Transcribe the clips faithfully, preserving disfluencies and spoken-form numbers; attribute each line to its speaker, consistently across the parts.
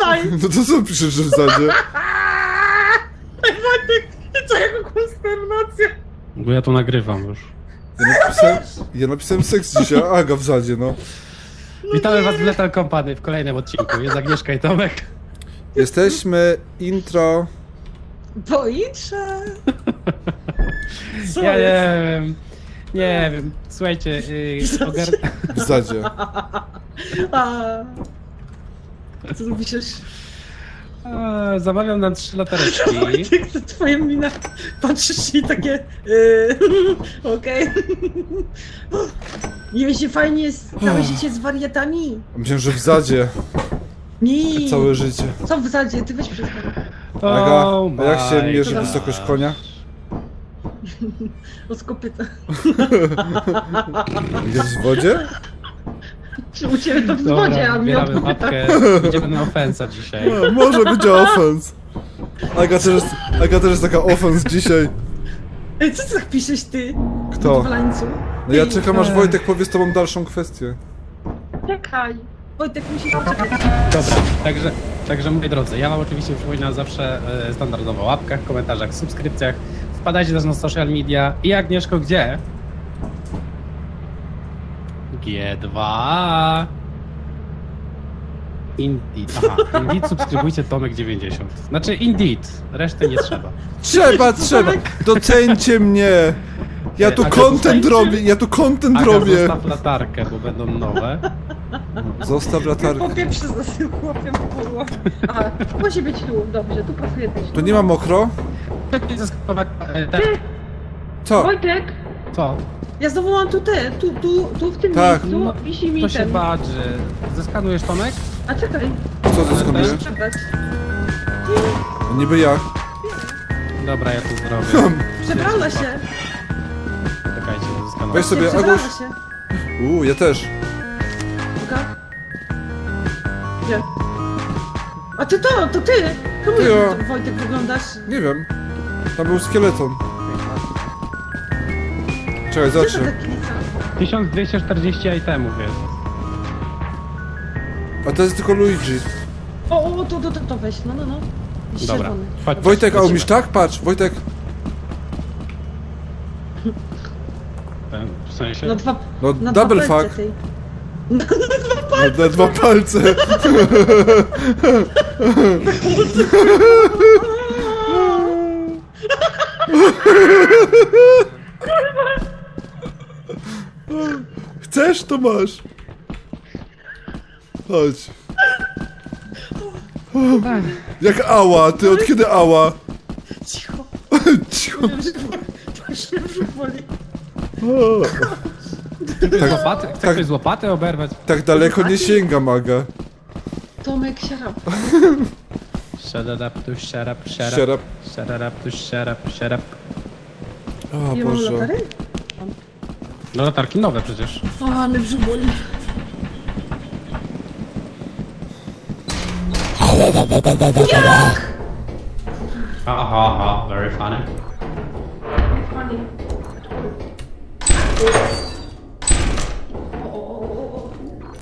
Speaker 1: czytaj!
Speaker 2: No to co piszesz, że w zadzie?
Speaker 1: Ej, Wojtek, co jego konsternacja?
Speaker 3: Bo ja to nagrywam już.
Speaker 2: Ja napisałem, ja napisałem seks dzisiaj, a Aga w zadzie, no.
Speaker 3: Witamy was w Lethal Company w kolejnym odcinku. Jest Agnieszka i Tomek.
Speaker 2: Jesteśmy intro...
Speaker 1: Pojutrze! Co
Speaker 3: Ja
Speaker 1: jest?
Speaker 3: nie wiem. Nie wiem. Słuchajcie, yy, ogar...
Speaker 2: w zadzie.
Speaker 1: A... Co tu piszesz?
Speaker 3: A, zamawiam nam trzy latareczki.
Speaker 1: Wojtek, to twoja mina. Patrzysz i takie... Yy, Okej. Nie wiem, się fajnie jest całe życie z wariatami.
Speaker 2: Myślałem, że w zadzie
Speaker 1: Nie.
Speaker 2: całe życie.
Speaker 1: Co w zadzie? Ty weź przestań.
Speaker 2: Aga,
Speaker 3: Oh
Speaker 2: a jak się
Speaker 3: my
Speaker 2: mierzy
Speaker 3: gosh.
Speaker 2: wysokość konia?
Speaker 1: Od kopyta.
Speaker 2: Gdzieś w wodzie?
Speaker 1: Czy u ciebie to w
Speaker 3: Dobra,
Speaker 1: wodzie, a mnie od
Speaker 3: zbieramy
Speaker 1: kopyta.
Speaker 3: mapkę. Idziemy na ofensa dzisiaj.
Speaker 2: No, może być offense. Aga też jest, Aga też jest taka offense dzisiaj.
Speaker 1: Ej, co ty tak piszesz, ty?
Speaker 2: Kto?
Speaker 1: Walańcu?
Speaker 2: No ja czekam, aż Wojtek powie z tobą dalszą kwestię.
Speaker 1: Czekaj. Wojtek, musisz poczekać.
Speaker 3: Dobra, także, także moi drodzy, ja wam oczywiście przypominam zawsze e, standardowo o łapkach, komentarzach, subskrypcjach. Wpadajcie też na social media. I Agnieszko, gdzie? G dwa. Indeed. Aha, Indeed subskrybujcie Tomek dziewięćdziesiąt. Znaczy Indeed, reszty nie trzeba.
Speaker 2: Trzeba, trzeba! Doceńcie mnie! Ja tu
Speaker 3: Aga,
Speaker 2: content
Speaker 3: doceńcie?
Speaker 2: robię, ja tu content
Speaker 3: Aga,
Speaker 2: robię!
Speaker 3: zostaw latarkę, bo będą nowe.
Speaker 2: Zostaw latarkę.
Speaker 1: Po pierwsze za tym chłopiem kurwa. Aha, musi być tu, dobrze, tu pasuje też.
Speaker 2: To nie ma mokro?
Speaker 3: E, te-
Speaker 2: Co?
Speaker 1: Wojtek,
Speaker 3: Co?
Speaker 1: ja znowu mam tu te, tu, tu, tu w tym
Speaker 2: Tak.
Speaker 1: miejscu
Speaker 3: No,
Speaker 1: wisi mi
Speaker 3: To się
Speaker 1: ten.
Speaker 3: badży. Zeskanujesz Tomek?
Speaker 1: A czekaj,
Speaker 2: Co zyskuję?
Speaker 1: muszę przebrać.
Speaker 2: Niby jak?
Speaker 3: Dobra, ja to zrobię.
Speaker 1: Przebrała się.
Speaker 3: Czekajcie, zeskanuję.
Speaker 2: Weź sobie,
Speaker 1: Przebrała
Speaker 2: Aguś.
Speaker 1: się.
Speaker 2: Uuu, ja też.
Speaker 1: Uga. Gdzie? A ty to, to ty! Czemu
Speaker 2: Ja.
Speaker 1: Wojtek wyglądasz?
Speaker 2: Nie wiem. Tam był skeleton. Czekaj,
Speaker 1: Co to
Speaker 2: zacznę.
Speaker 1: taki lica?
Speaker 3: tysiąc dwieście czterdzieści itemów jest.
Speaker 2: A to jest tylko Luigi.
Speaker 1: O, o, to, to, to, to weź, no, no, no. Jakiś
Speaker 3: Dobra.
Speaker 1: czerwony.
Speaker 3: Chodź,
Speaker 2: Wojtek, a
Speaker 3: lecimy.
Speaker 2: umiesz tak? Patrz, Wojtek.
Speaker 3: W sensie?
Speaker 1: No dwa,
Speaker 2: No,
Speaker 1: na
Speaker 2: double
Speaker 1: dwa palce
Speaker 2: fuck.
Speaker 1: tej.
Speaker 2: Na, na dwa palce. Chcesz, to masz. Chodź. Jak ała, ty od kiedy ała?
Speaker 1: Cicho,
Speaker 2: Cicho.
Speaker 1: wiem, że to już mnie brzuch boli.
Speaker 2: Tak,
Speaker 3: Łopaty? Chcesz
Speaker 2: tak.
Speaker 3: coś z łopaty oberwać?
Speaker 2: tak daleko nie sięga maga.
Speaker 1: Tomek, siarap.
Speaker 3: Shut it up to shut up, shut up.
Speaker 2: Shut up.
Speaker 3: Shut it up to shut up, shut up.
Speaker 2: O
Speaker 1: Nie mam
Speaker 2: Boże.
Speaker 1: latary?
Speaker 3: No latarki nowe przecież.
Speaker 1: O, ale brzuch boli.
Speaker 3: Aha, aha, very funny.
Speaker 1: Funny. O, o, o, o.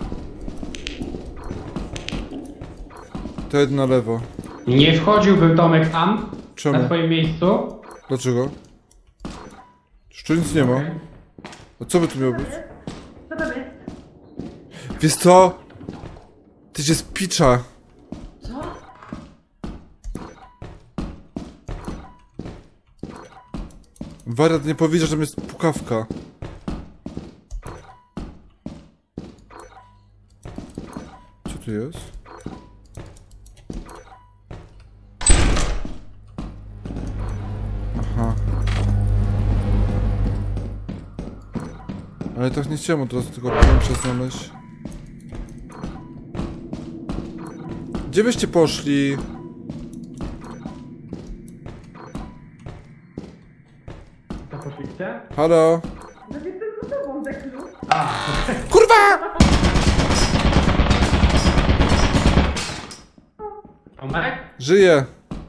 Speaker 2: To jedno na lewo.
Speaker 3: Nie wchodziłbym Tomek tam,
Speaker 2: Czemu?
Speaker 3: na twoim miejscu.
Speaker 2: Dlaczego? Już tu nic nie ma. A co by tu miało być?
Speaker 1: Co tam jest?
Speaker 2: Wiesz co? Ty się spicza.
Speaker 1: Co?
Speaker 2: Wariat nie powiedział, że tam jest pukawka. Co tu jest? Aha. Ale tak nie chciałem od razu tylko piętrze znaleźć. Gdzie byście poszli?
Speaker 3: To poszliście?
Speaker 2: Halo?
Speaker 1: No jestem za tobą, Deklu.
Speaker 2: Kurwa!
Speaker 3: Tomek?
Speaker 2: Żyję!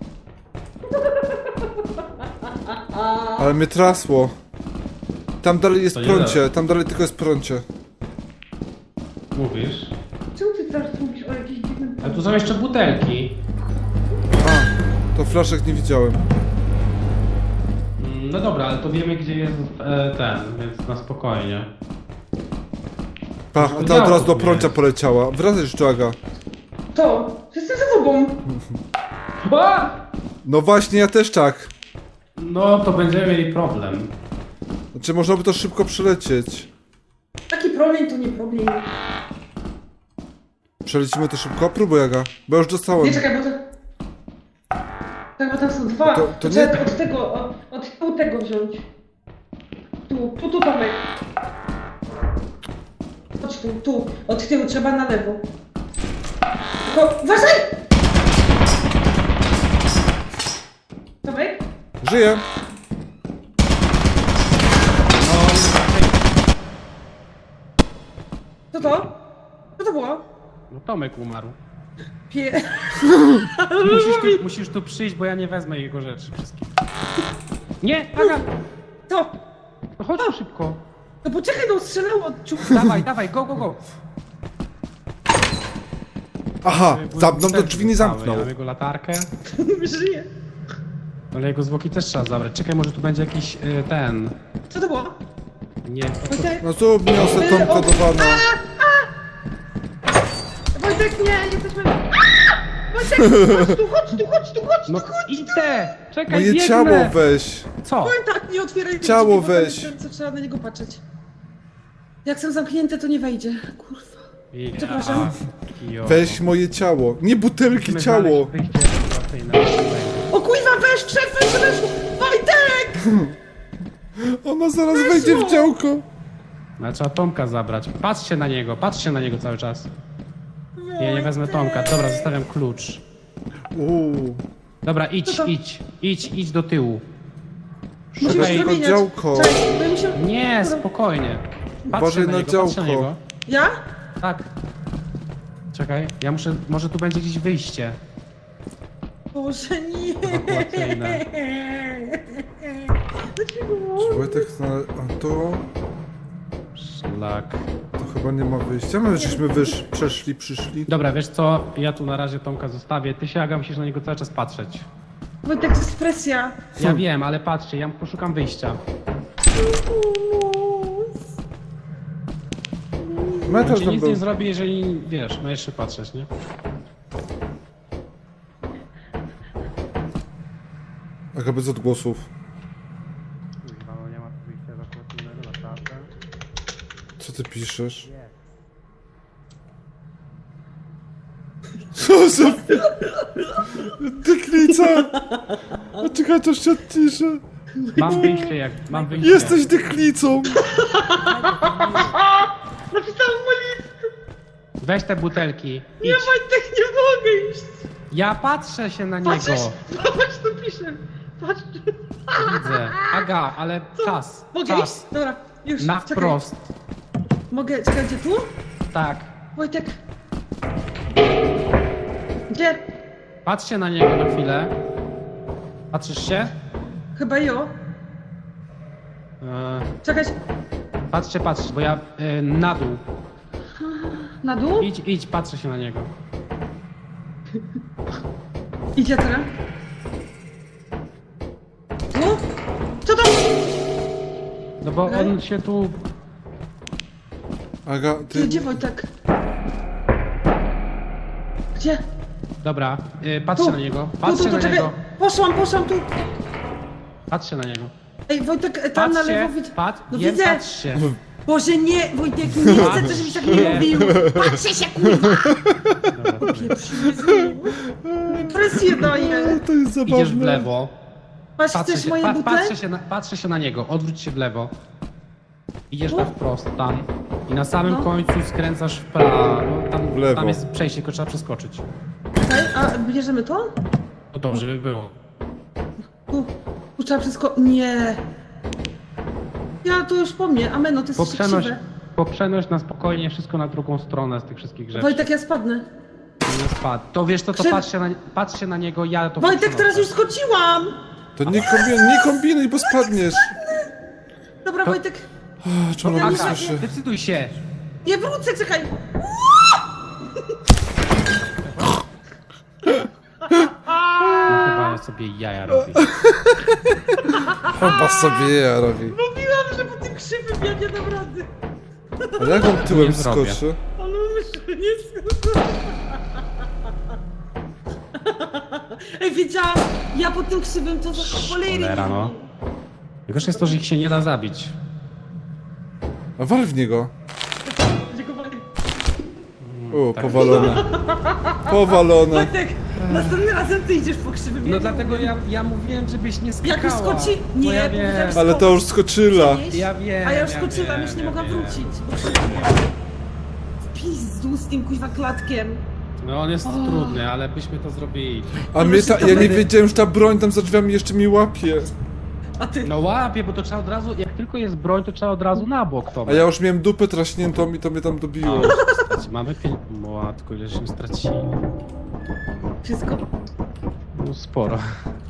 Speaker 2: Ale mnie trasło. Tam dalej jest
Speaker 3: To nie
Speaker 2: prącie,
Speaker 3: da.
Speaker 2: tam dalej tylko jest prącie.
Speaker 3: Mówisz?
Speaker 1: Czemu ty teraz mówisz o jakiejś dziwnym...
Speaker 3: A tu są jeszcze butelki.
Speaker 2: A, to flaszek nie widziałem.
Speaker 3: Mm, No dobra, ale to wiemy gdzie jest e, ten, więc na spokojnie.
Speaker 2: Pa, a ta od razu do prącia poleciała. Wracaj tu, Aga.
Speaker 1: To, jestem za tobą.
Speaker 3: Ba!
Speaker 2: No właśnie, ja też tak.
Speaker 3: No to będziemy mieli problem.
Speaker 2: Znaczy, można by to szybko przelecieć.
Speaker 1: Taki problem to nie problem.
Speaker 2: Przelecimy to szybko? Próbuj, Aga. Bo ja już dostałem.
Speaker 1: Nie, czekaj, bo to... Tak, bo tam są dwa.
Speaker 2: To- to
Speaker 1: Trzeba
Speaker 2: nie-
Speaker 1: od tego, od, od tyłu tego wziąć. Tu, tu, tu, Tomek. Chodź tu, tu. Od tyłu trzeba na lewo. Tylko, uważaj! Tomek?
Speaker 2: Żyję.
Speaker 1: Co to? Co to było?
Speaker 3: No Tomek umarł.
Speaker 1: Pie...
Speaker 3: Musisz tu, musisz tu przyjść, bo ja nie wezmę jego rzeczy wszystkich. Nie, Aga!
Speaker 1: To!
Speaker 3: No chodź tu szybko.
Speaker 1: No poczekaj, no strzelało od ciu...
Speaker 3: Dawaj, dawaj, go, go, go.
Speaker 2: Aha,
Speaker 3: Bo
Speaker 2: zamknął, to
Speaker 3: też
Speaker 2: drzwi nie
Speaker 3: zostały.
Speaker 2: zamknął.
Speaker 3: Ja mam jego latarkę,
Speaker 1: Żyje.
Speaker 3: ale jego zwłoki też trzeba zabrać. Czekaj, może tu będzie jakiś y, ten...
Speaker 1: Co to było?
Speaker 3: Nie, to, to,
Speaker 1: Wojtek?
Speaker 2: No tu niosę tą kodowaną.
Speaker 1: Wojtek, nie, jesteśmy... Wojtek, chodź tu, chodź tu, chodź tu, chodź tu,
Speaker 3: no
Speaker 1: chodź tu!
Speaker 3: idę! Czekaj,
Speaker 2: Moje
Speaker 3: biegnę.
Speaker 2: ciało weź.
Speaker 3: Co?
Speaker 1: Powiem tak, nie otwieraj tych
Speaker 2: Ciało
Speaker 1: drzwi, bo tam
Speaker 2: weź.
Speaker 1: jest ten, co trzeba na niego patrzeć. Jak są zamknięte, to nie wejdzie. Kurwa.
Speaker 3: Ja,
Speaker 1: Przepraszam.
Speaker 3: kijowo.
Speaker 2: Weź moje ciało. Nie butelki,
Speaker 3: Musimy
Speaker 2: ciało.
Speaker 3: znaleźć wyjście ewakuacyjne.
Speaker 1: O kurwa, weź, wszedł, weź, weź! Wojtek!
Speaker 2: Ona zaraz wejdzie w działko.
Speaker 3: Ale trzeba Tomka zabrać. Patrzcie na niego, patrzcie na niego cały czas. Ja nie wezmę Tomka. Dobra, zostawiam klucz.
Speaker 2: Uuu.
Speaker 3: Dobra, idź,
Speaker 1: Co to?
Speaker 3: idź, idź, idź do tyłu.
Speaker 1: Musimy
Speaker 2: Szukaj
Speaker 1: się
Speaker 2: tylko
Speaker 1: zamieniać.
Speaker 2: działko.
Speaker 1: Cześć, bo mi się...
Speaker 3: Nie, spokojnie. Patrzcie
Speaker 2: Uważaj
Speaker 3: na
Speaker 2: na
Speaker 3: niego,
Speaker 2: działko.
Speaker 3: patrzcie na niego.
Speaker 1: Ja?
Speaker 3: Tak. Czekaj, ja muszę, może tu będzie gdzieś wyjście.
Speaker 1: Boże, nie.
Speaker 3: Ewakuacyjne.
Speaker 1: Dlaczego?
Speaker 2: Wojtek znalazł... A to...
Speaker 3: Szlak.
Speaker 2: To chyba nie ma wyjścia. My żeśmy wysz... przeszli, przyszli.
Speaker 3: Dobra, wiesz co? Ja tu na razie Tomka zostawię. Ty się, Aga, musisz na niego cały czas patrzeć.
Speaker 1: Wojtek, to jest presja.
Speaker 3: Ja wiem, ale patrzcie, ja poszukam wyjścia.
Speaker 2: Metal
Speaker 3: On ci
Speaker 2: tam
Speaker 3: nic
Speaker 2: był.
Speaker 3: nie zrobi, jeżeli, wiesz, no jeszcze patrzeć, nie?
Speaker 2: Aga bez odgłosów.
Speaker 3: Kurwa, no nie ma tu wyjścia ewakuacyjnego, naprawdę.
Speaker 2: Co ty piszesz? Co za... Dyklica! A czekaj, to się odciszę.
Speaker 3: Mam wyjście jak, mam wyjście.
Speaker 2: Jesteś dyklicą!
Speaker 1: Napisałam mu list.
Speaker 3: Weź te butelki.
Speaker 1: Nie,
Speaker 3: Idź.
Speaker 1: Wojtek, nie mogę iść.
Speaker 3: Ja patrzę się na niego.
Speaker 1: Patrzysz? Patrz, tu piszę. Patrz.
Speaker 3: Widzę. Aga, ale czas.
Speaker 1: Mogę iść?
Speaker 3: Czas.
Speaker 1: Dobra, już,
Speaker 3: Na
Speaker 1: czekaj.
Speaker 3: wprost.
Speaker 1: Mogę, czekaj, gdzie tu?
Speaker 3: Tak.
Speaker 1: Wojtek. Gdzie?
Speaker 3: Patrzcie na niego na chwilę. Patrzysz się?
Speaker 1: Chyba jo.
Speaker 3: Eee,
Speaker 1: Czekaj,
Speaker 3: patrzcie, patrzcie, bo ja e, na dół.
Speaker 1: na dół?
Speaker 3: Idź, idź, patrzę się na niego.
Speaker 1: Idzie teraz. Tu? Co to?
Speaker 3: No bo
Speaker 1: Okej.
Speaker 3: on się tu...
Speaker 2: Aga,
Speaker 1: Ty,
Speaker 2: ty...
Speaker 1: gdzie Wojtek? Gdzie?
Speaker 3: Dobra, e, patrzcie
Speaker 1: Tu.
Speaker 3: na niego.
Speaker 1: Tu,
Speaker 3: Patrzcie
Speaker 1: tu, tu,
Speaker 3: na
Speaker 1: czekaj.
Speaker 3: niego.
Speaker 1: Poszłam, poszłam tu.
Speaker 3: Patrzcie na niego.
Speaker 1: Ej, Wojtek, tam na
Speaker 3: Patrzcie,
Speaker 1: lewo widzę.
Speaker 3: patrz,
Speaker 1: No
Speaker 3: jem,
Speaker 1: widzę.
Speaker 3: patrzcie.
Speaker 1: Boże, nie, Wojtek, nie chcę, żebyś tak nie mówił. Patrzę się, kurwa.
Speaker 3: Dobra,
Speaker 1: Presję daję.
Speaker 2: To jest zabawne.
Speaker 3: idziesz w lewo.
Speaker 1: Masz,
Speaker 3: Patrzę
Speaker 1: chcesz
Speaker 3: się,
Speaker 1: moje
Speaker 3: pa,
Speaker 1: buty?
Speaker 3: patrzę, się na, patrzę się na niego, odwróć się w lewo. Idziesz na wprost tam i na samym
Speaker 1: No.
Speaker 3: końcu skręcasz w prawo. Tam,
Speaker 2: W lewo.
Speaker 3: tam jest przejście, tylko trzeba przeskoczyć.
Speaker 1: Czekaj, a bierzemy to?
Speaker 3: No dobrze by było.
Speaker 1: Tu, tu trzeba wszystko... Nie. Ja to już po mnie, ameno, to jest
Speaker 3: Poprzenoś,
Speaker 1: krzywe.
Speaker 3: poprzenoś na spokojnie wszystko na drugą stronę z tych wszystkich rzeczy.
Speaker 1: Wojtek, ja spadnę.
Speaker 3: Nie spadł. To wiesz co, to
Speaker 1: Krzyw-
Speaker 3: patrzcie na, patrzcie na niego, ja to
Speaker 1: Wojtek,
Speaker 3: poprzenoszę.
Speaker 1: teraz już skoczyłam.
Speaker 2: To nie kombinuj, nie kombinuj, bo spadniesz.
Speaker 1: Dobra,
Speaker 3: To-
Speaker 1: Wojtek,
Speaker 2: A, Czy ona nie
Speaker 3: Aga,
Speaker 2: słyszy?
Speaker 3: decyduj się.
Speaker 1: nie wrócę, czekaj.
Speaker 3: sobie jaja robi.
Speaker 2: Chyba sobie ja robi.
Speaker 1: Mówiłam, że po tym krzywym ja nie dam rady.
Speaker 2: Ale jak on tyłem
Speaker 3: Nie zrobię.
Speaker 2: skoczy?
Speaker 1: Ale już nie skończyłam. Ej, wiedziałam, ja po tym krzywym to za cholery.
Speaker 3: Cholera, no. Najgorsze jest to, że ich się nie da zabić.
Speaker 2: A wal w niego.
Speaker 1: Dziękuję.
Speaker 2: O,
Speaker 3: tak.
Speaker 2: powalone. Powalone.
Speaker 1: Wojtek, następnym razem ty idziesz po krzywym.
Speaker 3: No
Speaker 1: ja
Speaker 3: dlatego ja, ja mówiłem, żebyś nie skakała.
Speaker 1: Jak już skoczy... Nie,
Speaker 3: Bo ja
Speaker 1: bo
Speaker 3: wiem,
Speaker 1: jak
Speaker 2: Ale to już skoczyła.
Speaker 1: przenieść,
Speaker 3: Ja wiem,
Speaker 1: A ja już
Speaker 3: ja
Speaker 1: skoczyłam,
Speaker 3: wiem,
Speaker 1: już nie
Speaker 3: ja
Speaker 1: mogłam
Speaker 3: wiem.
Speaker 1: wrócić. Bo krzywym. W pizdu z tym kuźwa klatkiem.
Speaker 3: No on jest
Speaker 1: O.
Speaker 3: trudny, ale byśmy to zrobili.
Speaker 2: A mnie ta, ja nie wiedziałem, że ta broń tam za drzwiami jeszcze mi łapie.
Speaker 1: A ty...
Speaker 3: No łapie, bo to trzeba od razu, jak tylko jest broń, to trzeba od razu na bok to.
Speaker 2: A ja już miałem dupę traśniętą i to mnie tam dobiło.
Speaker 3: Mamy pieniądze. Matko, ile się stracili.
Speaker 1: Wszystko.
Speaker 3: No sporo.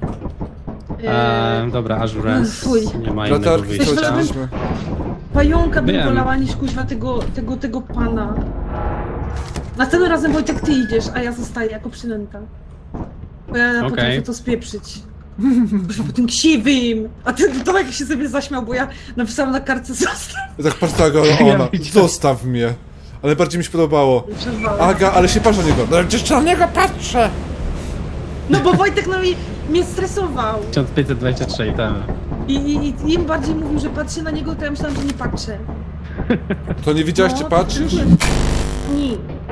Speaker 1: Eee,
Speaker 3: Eee, dobra, Azurance.
Speaker 1: Fuj.
Speaker 3: Nie ma innego
Speaker 2: Latarki
Speaker 3: wyjścia.
Speaker 2: straciliśmy.
Speaker 1: Pająka bym
Speaker 3: Wiem.
Speaker 1: wolała niż kuźwa tego, tego, tego pana. Następnym razem Wojtek ty idziesz, a ja zostaję jako przynęta. Bo ja
Speaker 3: Okej.
Speaker 1: potrafię to spieprzyć. Kuźwa po tym ksiwym! A ten Tomek się sobie zaśmiał, bo ja napisałam na kartce zostaw.
Speaker 2: Ja tak patrzę, Aga,
Speaker 3: Ja
Speaker 2: ona,
Speaker 3: widziałem.
Speaker 2: zostaw mnie. Ale bardziej mi się podobało.
Speaker 1: Przerwałem.
Speaker 2: Aga, ale się patrz na niego. No przecież na niego patrzę.
Speaker 1: No bo Wojtek no mi, mnie stresował.
Speaker 3: tysiąc pięćset dwadzieścia trzy, tak.
Speaker 1: I, i, I im bardziej mówił, że patrzę na niego, to ja myślałam, że nie patrzę.
Speaker 2: To nie widziałaś, czy
Speaker 1: No,
Speaker 2: patrzysz?
Speaker 1: Nie.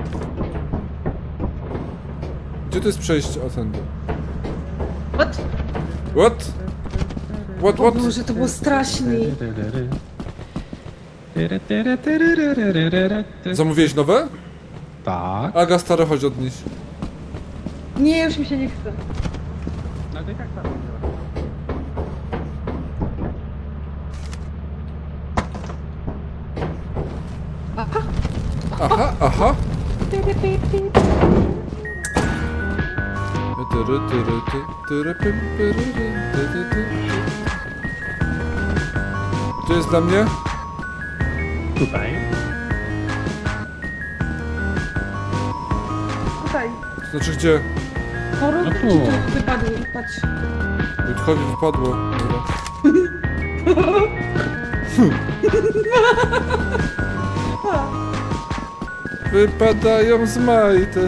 Speaker 2: Gdzie to jest przejście? O, tędy.
Speaker 1: What?
Speaker 2: What? What,
Speaker 1: O
Speaker 2: what?
Speaker 1: Boże, to było strasznie.
Speaker 2: Zamówiłeś nowe?
Speaker 3: Tak.
Speaker 2: Aga, stare, chodź odnieść.
Speaker 1: Nie, już mi się nie chce.
Speaker 3: No to i tak tak.
Speaker 2: Aha, aha. Tyry, tyry, ty, tyry, pym, pyry, ty, ty, ty. Gdzie jest dla mnie?
Speaker 3: Tutaj.
Speaker 1: Tutaj.
Speaker 2: To znaczy gdzie?
Speaker 1: Choroby
Speaker 3: No
Speaker 1: ci
Speaker 3: tu.
Speaker 1: tu wypadły, patrz.
Speaker 2: Wojtkowi wypadło. Dobra. Wypadają z majtek.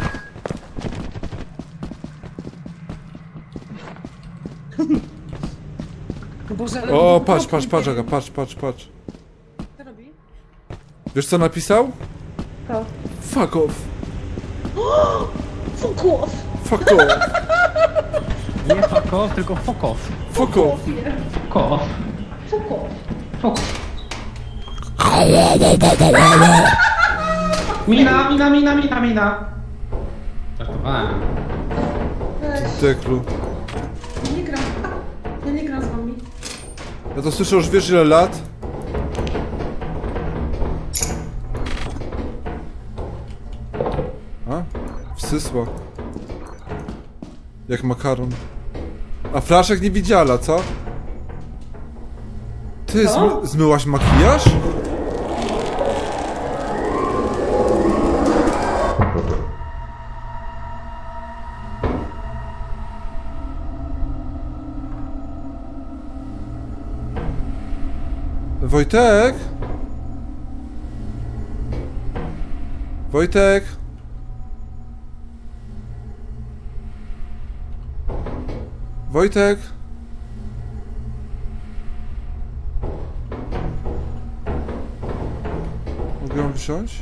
Speaker 1: O Boże, ale
Speaker 2: O,
Speaker 1: to
Speaker 2: patrz,
Speaker 1: okropnie.
Speaker 2: patrz, patrz, Aga, patrz, patrz, patrz.
Speaker 1: Co robi?
Speaker 2: Wiesz co napisał?
Speaker 1: To.
Speaker 2: Fuck off.
Speaker 1: Fuck off!
Speaker 2: Fuck off.
Speaker 3: Nie fuck off, tylko fuck off.
Speaker 2: Fuck off.
Speaker 3: Fuck off.
Speaker 1: Fuck off!
Speaker 3: Fuck off. Mina, mina, mina, mina, mina. Żartowałem.
Speaker 1: Weź,
Speaker 2: Teklu.
Speaker 1: ja nie gram. Ja nie gram z wami.
Speaker 2: Ja to słyszę już wiesz ile lat? A? Wsysła. Jak makaron. A flaszek nie widziała, co? Ty,
Speaker 1: Co?
Speaker 2: zmy zmyłaś makijaż? Wojtek? Wojtek? Wojtek? Mogę ją wziąć?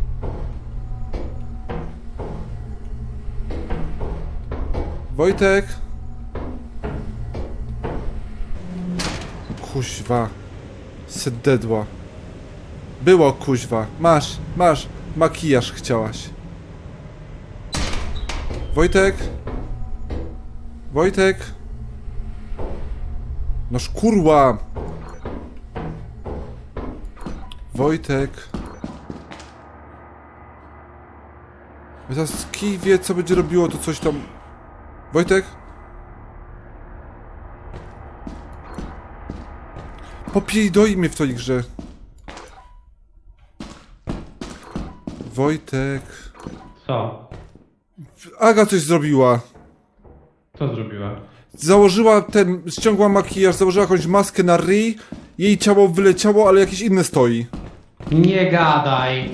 Speaker 2: Wojtek? Kuźwa. Sededła. Było kuźwa. Masz, masz. Makijaż chciałaś. Wojtek? Wojtek? Noż kurwa! Wojtek? Ja teraz kij wie, co będzie robiło to coś tam... Wojtek? Popierdoli mnie w tej grze. Wojtek...
Speaker 3: Co?
Speaker 2: Aga coś zrobiła.
Speaker 3: Co zrobiła?
Speaker 2: Założyła ten, ściągła makijaż, założyła jakąś maskę na ryj, jej ciało wyleciało, ale jakieś inne stoi.
Speaker 3: Nie gadaj!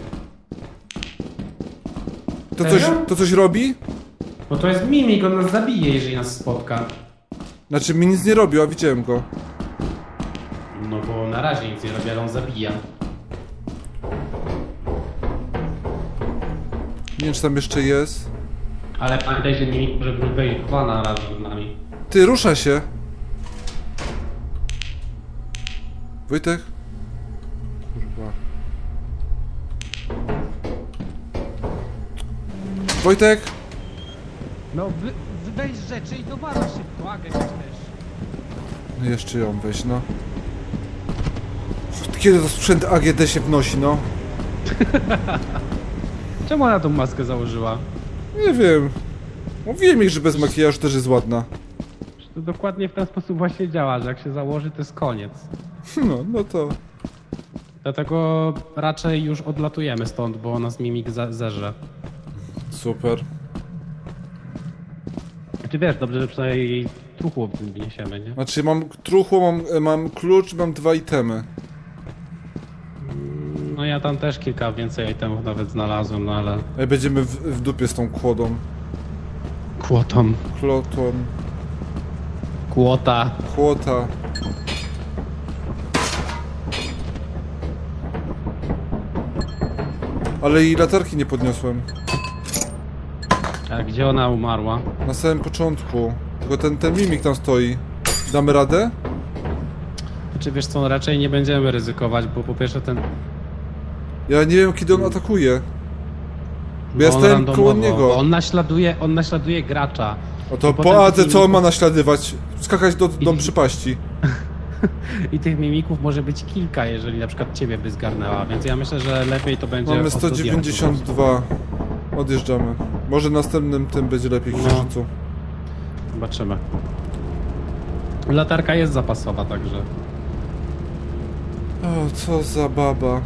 Speaker 2: To coś,
Speaker 3: Serio?
Speaker 2: to coś robi?
Speaker 3: Bo to jest mimik, on nas zabije, jeżeli nas spotka.
Speaker 2: Znaczy mi nic nie robił, a widziałem go.
Speaker 3: No bo na razie nic nie robi, ale on zabija.
Speaker 2: Nie wiem, czy tam jeszcze jest.
Speaker 3: Ale pamiętaj, że mimik może wejść kwana razem z nami.
Speaker 2: Ty, rusza się. Wojtek? Kurwa. Wojtek?
Speaker 3: No wy, weź rzeczy i dowala szybko, Agę też.
Speaker 2: No jeszcze ją weź, no. Kiedy to sprzęt A G D się wnosi, no?
Speaker 3: Czemu ona tą maskę założyła?
Speaker 2: Nie wiem. Mówiłem ich, że bez makijażu też jest ładna.
Speaker 3: To dokładnie w ten sposób właśnie działa, że jak się założy, to jest koniec.
Speaker 2: No, no to...
Speaker 3: Dlatego raczej już odlatujemy stąd, bo nas mimik za- zerze.
Speaker 2: Super.
Speaker 3: Czy wiesz, dobrze, że przynajmniej jej truchło wniesiemy, nie?
Speaker 2: Znaczy mam truchło, mam, mam klucz, mam dwa itemy.
Speaker 3: No ja tam też kilka więcej itemów nawet znalazłem, no ale...
Speaker 2: Ej, będziemy w, w dupie z tą kłodą.
Speaker 3: Kłotą.
Speaker 2: Klotą.
Speaker 3: Kłota.
Speaker 2: Kłota. Ale jej latarki nie podniosłem.
Speaker 3: A gdzie ona umarła?
Speaker 2: Na samym początku. Tylko ten, ten mimik tam stoi. Damy radę?
Speaker 3: Czy wiesz co, raczej nie będziemy ryzykować, bo po pierwsze ten...
Speaker 2: Ja nie wiem, kiedy on atakuje. Bo ja
Speaker 3: on
Speaker 2: stałem
Speaker 3: randomowo,
Speaker 2: koło niego.
Speaker 3: bo On naśladuje, on naśladuje gracza.
Speaker 2: O to
Speaker 3: I potem
Speaker 2: po Adze
Speaker 3: tych
Speaker 2: co on ma
Speaker 3: mimików-
Speaker 2: naśladywać? Skakać do, do
Speaker 3: I-
Speaker 2: przypaści.
Speaker 3: I tych mimików może być kilka, jeżeli na przykład ciebie by zgarnęła, więc ja myślę, że lepiej to będzie...
Speaker 2: Mamy
Speaker 3: od
Speaker 2: sto dziewięćdziesiąt dwa. Odjeżdżamy. Może następnym tym będzie lepiej
Speaker 3: No.
Speaker 2: księżycu.
Speaker 3: Zobaczymy. Latarka jest zapasowa, także...
Speaker 2: O, co za baba.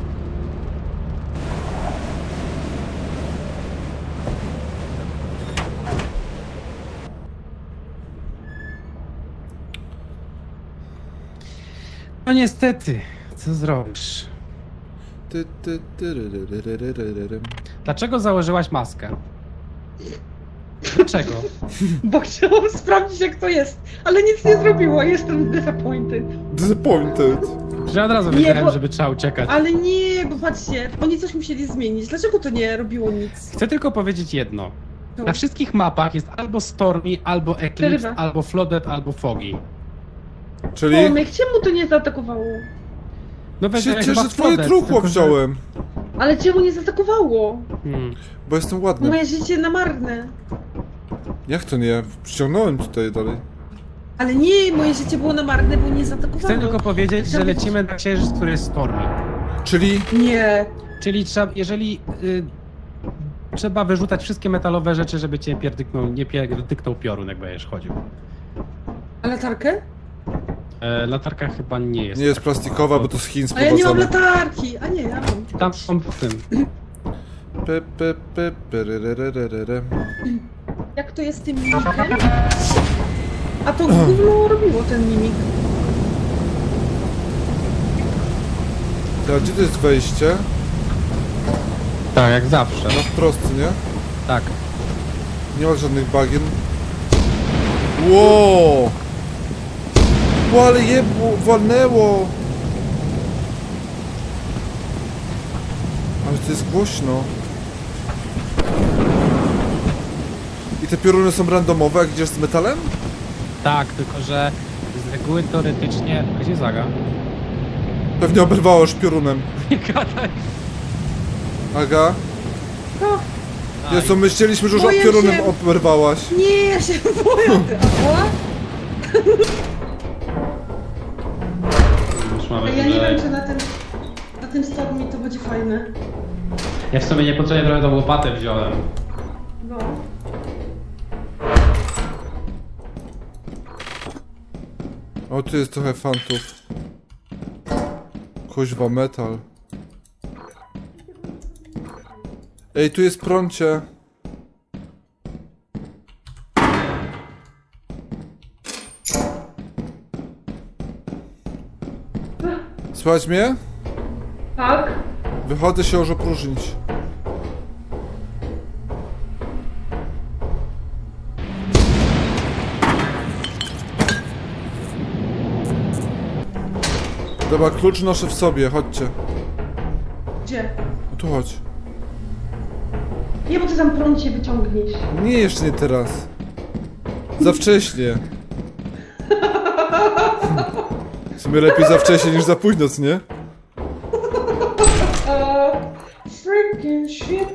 Speaker 3: No niestety, co zrobisz?
Speaker 2: Ty, ty, ty, ry, ry, ry, ry, ry, ry, ry.
Speaker 3: Dlaczego założyłaś maskę? Dlaczego?
Speaker 1: Bo chciałam sprawdzić jak to jest, ale nic nie zrobiło, jestem disappointed.
Speaker 2: Disappointed.
Speaker 3: Że od razu
Speaker 1: Nie,
Speaker 3: wiedziałem,
Speaker 1: bo-
Speaker 3: żeby trzeba uciekać.
Speaker 1: Ale nie, bo patrzcie, oni coś musieli zmienić. Dlaczego to nie robiło nic?
Speaker 3: Chcę tylko powiedzieć jedno.
Speaker 1: No.
Speaker 3: Na wszystkich mapach jest albo Stormy, albo Eclipse,
Speaker 1: Przerywa.
Speaker 3: albo Flooded, albo Foggy.
Speaker 2: Czyli...
Speaker 1: Tomek, czemu to nie zaatakowało?
Speaker 3: No weź,
Speaker 2: Się
Speaker 3: chyba
Speaker 2: cieszę, że twoje
Speaker 3: Flooded,
Speaker 2: truchło
Speaker 3: tylko że-
Speaker 2: wziąłem.
Speaker 1: Ale czemu nie zaatakowało?
Speaker 3: Hmm.
Speaker 2: Bo jestem ładny.
Speaker 1: Moje życie na marne.
Speaker 2: Jak to nie? Przyciągnąłem tutaj dalej.
Speaker 1: Ale nie, moje życie było na marne, bo nie zaatakowało.
Speaker 3: Chcę tylko powiedzieć, że
Speaker 1: Chciałam-
Speaker 3: lecimy na księżyc, który jest Stormy.
Speaker 2: Czyli...
Speaker 1: Nie.
Speaker 3: Czyli trzeba, jeżeli... Y, trzeba wyrzucać wszystkie metalowe rzeczy, żeby cię pierdyknął, nie pierdyknął piorun, jak będziesz chodził.
Speaker 1: A latarkę?
Speaker 3: E, latarka chyba nie jest.
Speaker 2: Nie jest plastikowa, bo to z Chin
Speaker 1: A ja nie mam
Speaker 2: sprowadzone.
Speaker 1: latarki. A nie, ja mam.
Speaker 3: Tam są w tym.
Speaker 2: Pe, pe, pe, pe, re, re, re, re, re, re.
Speaker 1: Jak to jest z tym mimikiem? A to gówno robiło ten mimik.
Speaker 2: Ty, a gdzie to jest wejście?
Speaker 3: Tak, jak zawsze.
Speaker 2: Na wprost, nie?
Speaker 3: Tak.
Speaker 2: Nie ma żadnych bagien. Ło! Ło, ale jebło, walnęło! Ale to jest głośno. I te pioruny są randomowe, jak idziesz z metalem?
Speaker 3: Tak, tylko że z reguły teoretycznie... Gdzie Zaga?
Speaker 2: Pewnie oberwało piorunem.
Speaker 3: Nie gadaj.
Speaker 2: Aga?
Speaker 1: No,
Speaker 2: Jezu, myśleliśmy, że już
Speaker 1: Boję
Speaker 2: piorunem
Speaker 1: się.
Speaker 2: oberwałaś.
Speaker 1: nie, ja się boję. Ty, ała?
Speaker 3: Już mamy
Speaker 1: Ja nie
Speaker 3: wyżej.
Speaker 1: wiem, czy na tym, na tym stopniu to będzie fajne.
Speaker 3: Ja w sumie niepotrzebnie trochę tą łopatę wziąłem.
Speaker 1: No.
Speaker 2: O, tu jest trochę fantów. Kuźwa, metal. Ej, tu jest prącie. Słuchać mnie?
Speaker 1: Tak?
Speaker 2: Wychodzę się już opróżnić. Dobra, klucz noszę w sobie, chodźcie.
Speaker 1: Gdzie?
Speaker 2: No tu chodź.
Speaker 1: Nie, bo ty tam prąd się wyciągniesz.
Speaker 2: Nie, jeszcze nie teraz. Za wcześnie. W sumie lepiej za wcześnie niż za późno, co nie?
Speaker 1: Eee, freaking shit.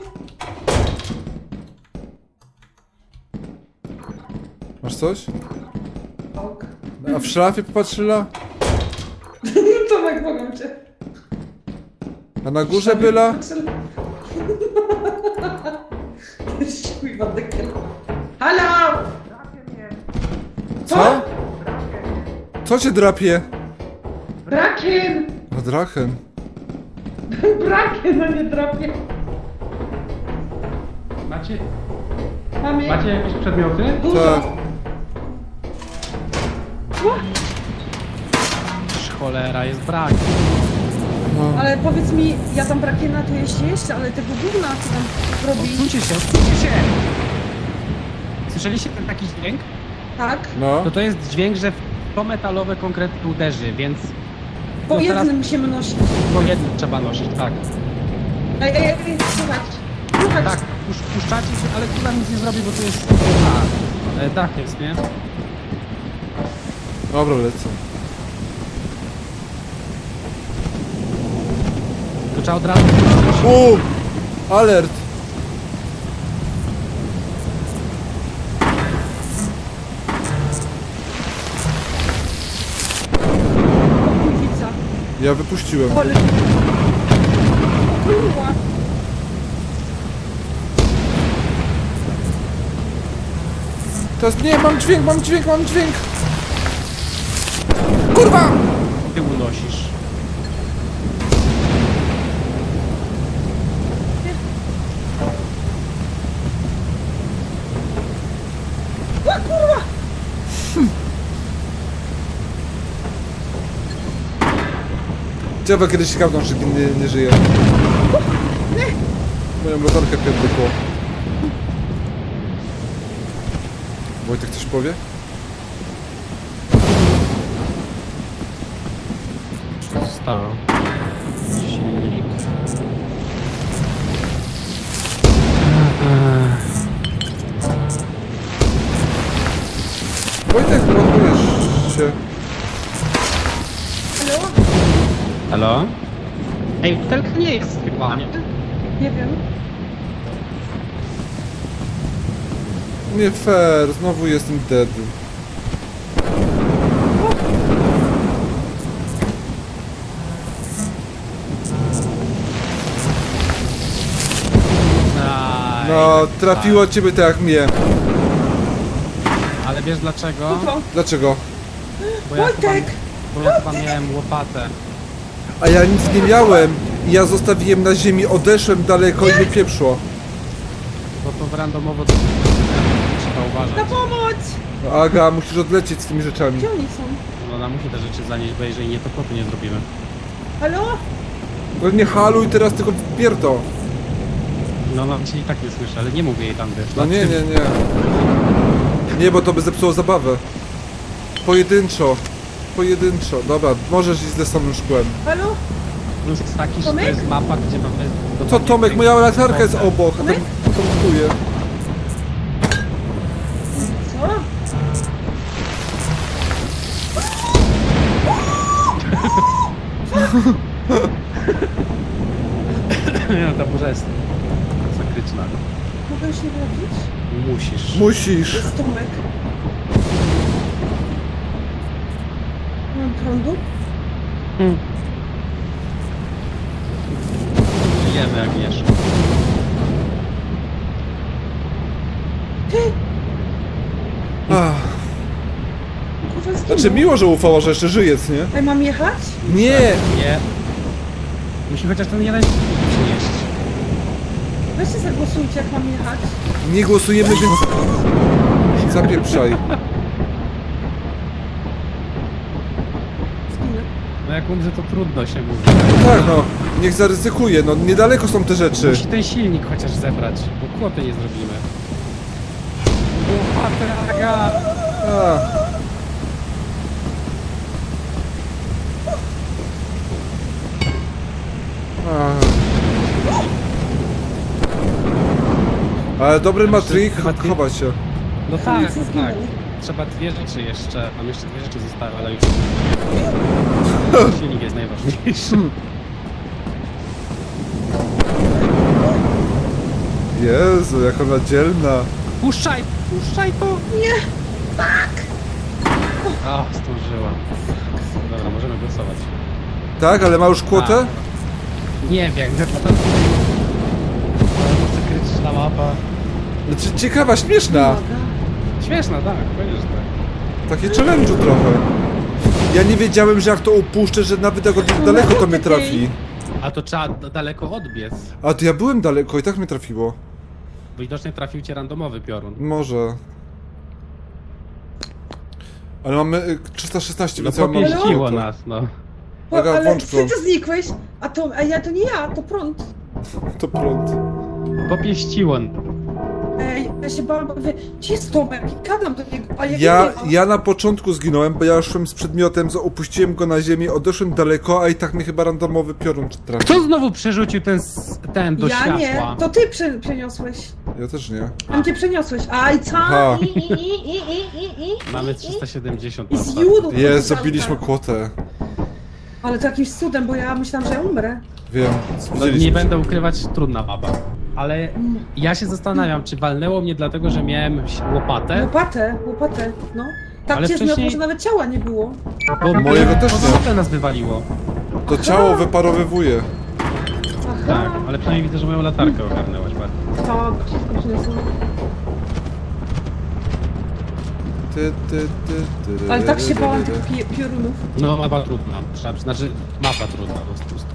Speaker 2: Masz coś?
Speaker 1: Ok.
Speaker 2: A w szafie popatrzyła?
Speaker 1: Tomek, mogę cię.
Speaker 2: A na górze byla?
Speaker 1: Kurwa, dekiel. Halo!
Speaker 2: Co? Co cię drapie?
Speaker 1: Brakiem!
Speaker 2: A drachen.
Speaker 1: Brakiem, a nie drapie.
Speaker 3: Macie,
Speaker 1: Mamy...
Speaker 3: macie jakieś przedmioty?
Speaker 1: Dużo.
Speaker 2: Tak.
Speaker 3: Cholera, jest brak.
Speaker 2: No.
Speaker 1: Ale powiedz mi, ja tam brakiena tu jeszcze jeszcze, ale tego gówna co tam robi.
Speaker 3: Odsuńcie się, odsuńcie się! Słyszeliście ten taki dźwięk?
Speaker 1: Tak?
Speaker 2: No.
Speaker 3: To to jest dźwięk, że w to metalowe konkretnie uderzy, więc
Speaker 1: Po
Speaker 3: No teraz-
Speaker 1: jednym musimy nosić.
Speaker 3: po jednym trzeba nosić, tak.
Speaker 1: Ej, ej, ej, słuchać. Słuchać.
Speaker 3: Tak, pusz, puszczacie się, ale kurwa nic nie zrobi, bo to jest... A, e, dach jest, nie?
Speaker 2: Dobra, lecę.
Speaker 3: To trzeba od razu...
Speaker 2: U! Alert!
Speaker 1: Kurwica.
Speaker 2: Ja wypuściłem.
Speaker 1: Ale... Kurwa.
Speaker 2: Teraz nie, mam dźwięk, mam dźwięk, mam dźwięk! Kurwa!
Speaker 3: Ty unosisz.
Speaker 1: A, kurwa!
Speaker 2: Ciekawe, kiedyś ciekawną, czy nie, nie żyje. Moją latarkę pierdykło. Wojtek coś powie?
Speaker 3: Co zostało? Silnik.
Speaker 2: Wojtek, ładujesz się.
Speaker 1: Halo?
Speaker 3: Halo? Ej, butelka nie jest chyba, nie?
Speaker 1: Nie wiem.
Speaker 2: Nie fair, znowu jestem dead.
Speaker 3: Aj,
Speaker 2: No,
Speaker 3: tak,
Speaker 2: trafiło ciebie tak jak mnie.
Speaker 3: tak. Ale wiesz dlaczego?
Speaker 1: Co?
Speaker 2: Dlaczego?
Speaker 3: Bo ja, chyba,
Speaker 1: Wojtek!
Speaker 3: bo ja chyba miałem łopatę.
Speaker 2: A ja nic nie miałem i ja zostawiłem na ziemi, odeszłem daleko i mnie pieprzło.
Speaker 3: Bo to randomowo trzeba
Speaker 1: Na
Speaker 3: uważać.
Speaker 1: pomoc!
Speaker 2: Aga, musisz odlecieć z tymi rzeczami.
Speaker 1: Gdzie oni są?
Speaker 3: No ona musi te rzeczy zanieść, bo jeżeli nie, to kotu nie zrobimy.
Speaker 1: Halo?
Speaker 2: No nie haluj teraz, tylko wpierdol.
Speaker 3: No no, cię i tak nie słyszę, ale nie mówię jej tam, wiesz.
Speaker 2: No
Speaker 3: na
Speaker 2: nie,
Speaker 3: tym.
Speaker 2: nie, nie. Nie, bo to by zepsuło zabawę. Pojedynczo. Pojedynczo. Dobra, możesz iść ze samym szkłem.
Speaker 1: Halo?
Speaker 3: Plus jest taki, że to
Speaker 1: Tomek?
Speaker 3: jest mapa, gdzie mamy...
Speaker 2: Co Tomek, moja latarka jest obok, a tam
Speaker 1: Tomek?
Speaker 2: tomkuje.
Speaker 1: Co?
Speaker 3: Nie no, ta burza jest masakryczna.
Speaker 1: Mogę już nie robić?
Speaker 3: Musisz.
Speaker 2: Musisz.
Speaker 1: Jest Tomek. Mam prądu?
Speaker 3: Hmm. Żyjemy jak wiesz.
Speaker 1: Ty!
Speaker 2: Ach.
Speaker 1: Kurwa, zginął.
Speaker 2: Znaczy miło, że ufała, że jeszcze żyje, co nie?
Speaker 1: Ej, mam jechać?
Speaker 2: Nie!
Speaker 3: Nie. Musi chociaż ten jeden przynieść.
Speaker 1: Weźcie zagłosujcie, jak mam jechać.
Speaker 2: Nie głosujemy, więc... Zapieprzaj.
Speaker 1: Zginę.
Speaker 3: No jak jak umrze, to trudno się mówi.
Speaker 2: No tak, no, niech zaryzykuje, no niedaleko są te rzeczy.
Speaker 3: Musi ten silnik chociaż zebrać, bo kłoty nie zrobimy. Łopatę, Aga!
Speaker 2: A. A. Ale dobry matrik,
Speaker 3: Chyba ty-
Speaker 2: chowa się.
Speaker 3: No tak,
Speaker 1: Nic nie
Speaker 3: no tak.
Speaker 1: zginęło.
Speaker 3: Trzeba dwie rzeczy jeszcze, mam jeszcze dwie rzeczy zostały, ale już... Silnik jest najważniejszy.
Speaker 2: Jezu, jak ona dzielna.
Speaker 3: Puszczaj, puszczaj to!
Speaker 1: Nie! Tak!
Speaker 3: O, zdążyłam. Dobra, możemy głosować.
Speaker 2: Tak, ale ma już kłotę?
Speaker 3: Nie wiem, to to... To krytyczna mapa.
Speaker 2: Znaczy ciekawa, śmieszna.
Speaker 1: Uwaga.
Speaker 3: Śmieszna, tak, powiedziesz tak.
Speaker 2: Takie challenge'u trochę. Ja nie wiedziałem, że jak to upuszczę, że nawet jak od daleko to mnie trafi.
Speaker 3: A to trzeba d- daleko odbiec.
Speaker 2: A to ja byłem daleko i tak mnie trafiło.
Speaker 3: Widocznie trafił cię randomowy piorun.
Speaker 2: Może. Ale mamy y, trzysta szesnaście,
Speaker 3: No
Speaker 2: więc ja mam
Speaker 3: popieściło
Speaker 2: kłotę.
Speaker 3: nas, no.
Speaker 1: Bo,
Speaker 2: Aga,
Speaker 1: ale
Speaker 2: włącz
Speaker 1: ty
Speaker 2: prąd.
Speaker 1: to znikłeś, a to, a ja to nie ja, to prąd.
Speaker 2: To prąd.
Speaker 3: Popieściło.
Speaker 1: Ej, ja się bałam, bo mówię, gdzie jest Tomek? I gadam do niego, a ja
Speaker 2: Ja,
Speaker 1: nie ma.
Speaker 2: ja na początku zginąłem, bo ja szłem z przedmiotem, za- opuściłem go na ziemię, odeszłem daleko, a i tak mnie chyba randomowy piorun trafił.
Speaker 3: Kto znowu przerzucił ten, s- ten do
Speaker 1: Ja
Speaker 3: światła?
Speaker 1: nie, to ty prze, przeniosłeś.
Speaker 2: Ja też nie.
Speaker 1: Tam cię przeniosłeś. A i co?
Speaker 2: Aha.
Speaker 1: I, i, i, i, i, i, i,
Speaker 3: Mamy
Speaker 1: i,
Speaker 3: trzysta siedemdziesiąt
Speaker 1: I
Speaker 3: na
Speaker 1: z
Speaker 3: ostatnim.
Speaker 1: judu.
Speaker 2: Jest, zabiliśmy kłotę.
Speaker 1: Ale to jakimś cudem, bo ja myślałam, że ja umrę.
Speaker 2: Wiem,
Speaker 3: No,
Speaker 2: spóźniliśmy
Speaker 3: nie
Speaker 2: się.
Speaker 3: będę ukrywać, trudna mapa. Ale ja się zastanawiam, czy walnęło mnie dlatego, że miałem łopatę?
Speaker 1: Łopatę, łopatę, no. Tak
Speaker 3: Ale
Speaker 1: cię
Speaker 3: wcześniej-
Speaker 1: wcześniej... że nawet ciała nie było.
Speaker 3: Bo
Speaker 2: Mojego też
Speaker 3: bo
Speaker 2: nie.
Speaker 3: łopatę nas wywaliło.
Speaker 2: To ciało wyparowywuje.
Speaker 1: Aha.
Speaker 3: Tak, ale przynajmniej widzę, że moją latarkę ogarnęłaś bardzo.
Speaker 1: Tak, wszystko przyniosło.
Speaker 2: Ty, ty, ty, ty,
Speaker 1: Ale tak się
Speaker 2: ty,
Speaker 1: bałam
Speaker 2: ty,
Speaker 1: tych
Speaker 2: ty.
Speaker 1: pi piorunów.
Speaker 3: No mapa trudna, trzeba, znaczy mapa trudna po prostu.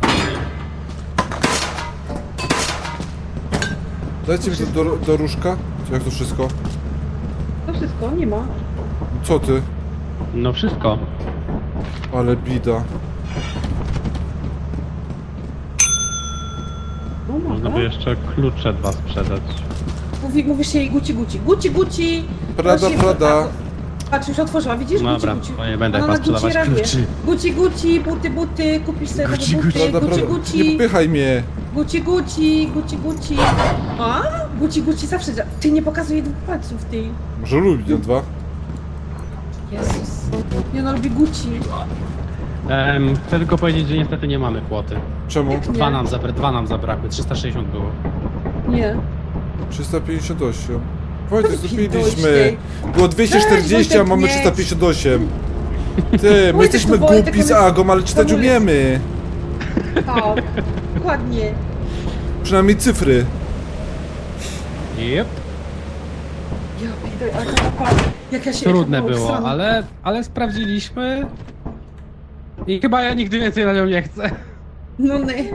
Speaker 2: Dajcie mi to do, do różka. Jak to wszystko?
Speaker 1: To wszystko, nie ma.
Speaker 2: Co ty?
Speaker 3: No wszystko.
Speaker 2: Ale bida.
Speaker 1: No
Speaker 3: Można
Speaker 1: ma.
Speaker 3: by jeszcze klucze dwa sprzedać.
Speaker 1: Mówi, mówisz jej guci guci. Guci guci!
Speaker 2: Prada,
Speaker 1: Właśnie-
Speaker 2: Prada.
Speaker 1: a, Patrz, już otworzyła, widzisz?
Speaker 3: Dobra,
Speaker 1: guci, guci.
Speaker 3: to nie będę
Speaker 1: Ona na
Speaker 3: chyba sprzedawać
Speaker 1: guci reaguje.
Speaker 3: kluczy.
Speaker 1: Guci guci, buty buty, kupisz sobie
Speaker 3: Guci,
Speaker 1: nowe buty,
Speaker 2: Prada,
Speaker 1: guci
Speaker 2: Prada. Nie
Speaker 1: guci.
Speaker 2: popychaj mnie.
Speaker 1: Guci guci, guci guci. A? Guci guci zawsze dzia- Ty nie pokazuj dwóch palców, ty.
Speaker 2: Może lubi no dwa.
Speaker 1: Jezus. Nie no, lubi guci.
Speaker 3: Em, chcę tylko powiedzieć, że niestety nie mamy kłoty.
Speaker 2: Czemu?
Speaker 1: Nie.
Speaker 3: Dwa nam, zabra dwa nam zabrakły, trzysta sześćdziesiąt było.
Speaker 1: Nie.
Speaker 2: trzysta pięćdziesiąt osiem. Wojtek,
Speaker 1: Weź
Speaker 2: zrobiliśmy.
Speaker 1: Wojtek.
Speaker 2: Było dwieście czterdzieści, a
Speaker 1: Wojtek,
Speaker 2: mamy
Speaker 1: nie.
Speaker 2: trzysta pięćdziesiąt osiem. Ty, my jesteśmy
Speaker 1: to Wojtek,
Speaker 2: głupi z
Speaker 1: on jest
Speaker 2: Agą, ale czytać
Speaker 1: komunist.
Speaker 2: umiemy.
Speaker 1: Tak. Dokładnie.
Speaker 2: Przynajmniej cyfry.
Speaker 3: Yep.
Speaker 1: Ja idę, ale to mapa, jak ja się
Speaker 3: Trudne
Speaker 1: jechałam
Speaker 3: było,
Speaker 1: obsrana.
Speaker 3: ale, ale sprawdziliśmy. I chyba ja nigdy więcej na nią nie chcę.
Speaker 1: No nie.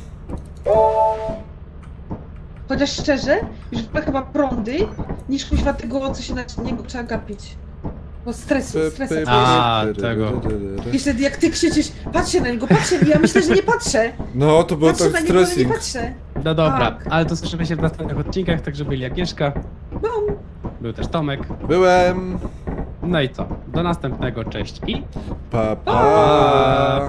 Speaker 1: Chociaż szczerze, już wolę chyba prądy, niż kuźwa tego, co się na niego trzeba gapić. Bo stresu, stresu.
Speaker 3: A, tego.
Speaker 1: Jeszcze jak ty krzyczysz, patrzcie na niego, patrzcie, ja myślę, że nie patrzę.
Speaker 2: No, to było
Speaker 1: Patrzę
Speaker 2: tak
Speaker 1: na niego, ale nie
Speaker 2: stressing.
Speaker 1: patrzę.
Speaker 3: No dobra,
Speaker 1: Tak.
Speaker 3: ale to słyszymy się w następnych odcinkach, także byli Agnieszka,
Speaker 1: No.
Speaker 3: był też Tomek.
Speaker 2: Byłem.
Speaker 3: No i co? Do następnego, cześć i...
Speaker 2: Pa, pa.
Speaker 3: Pa!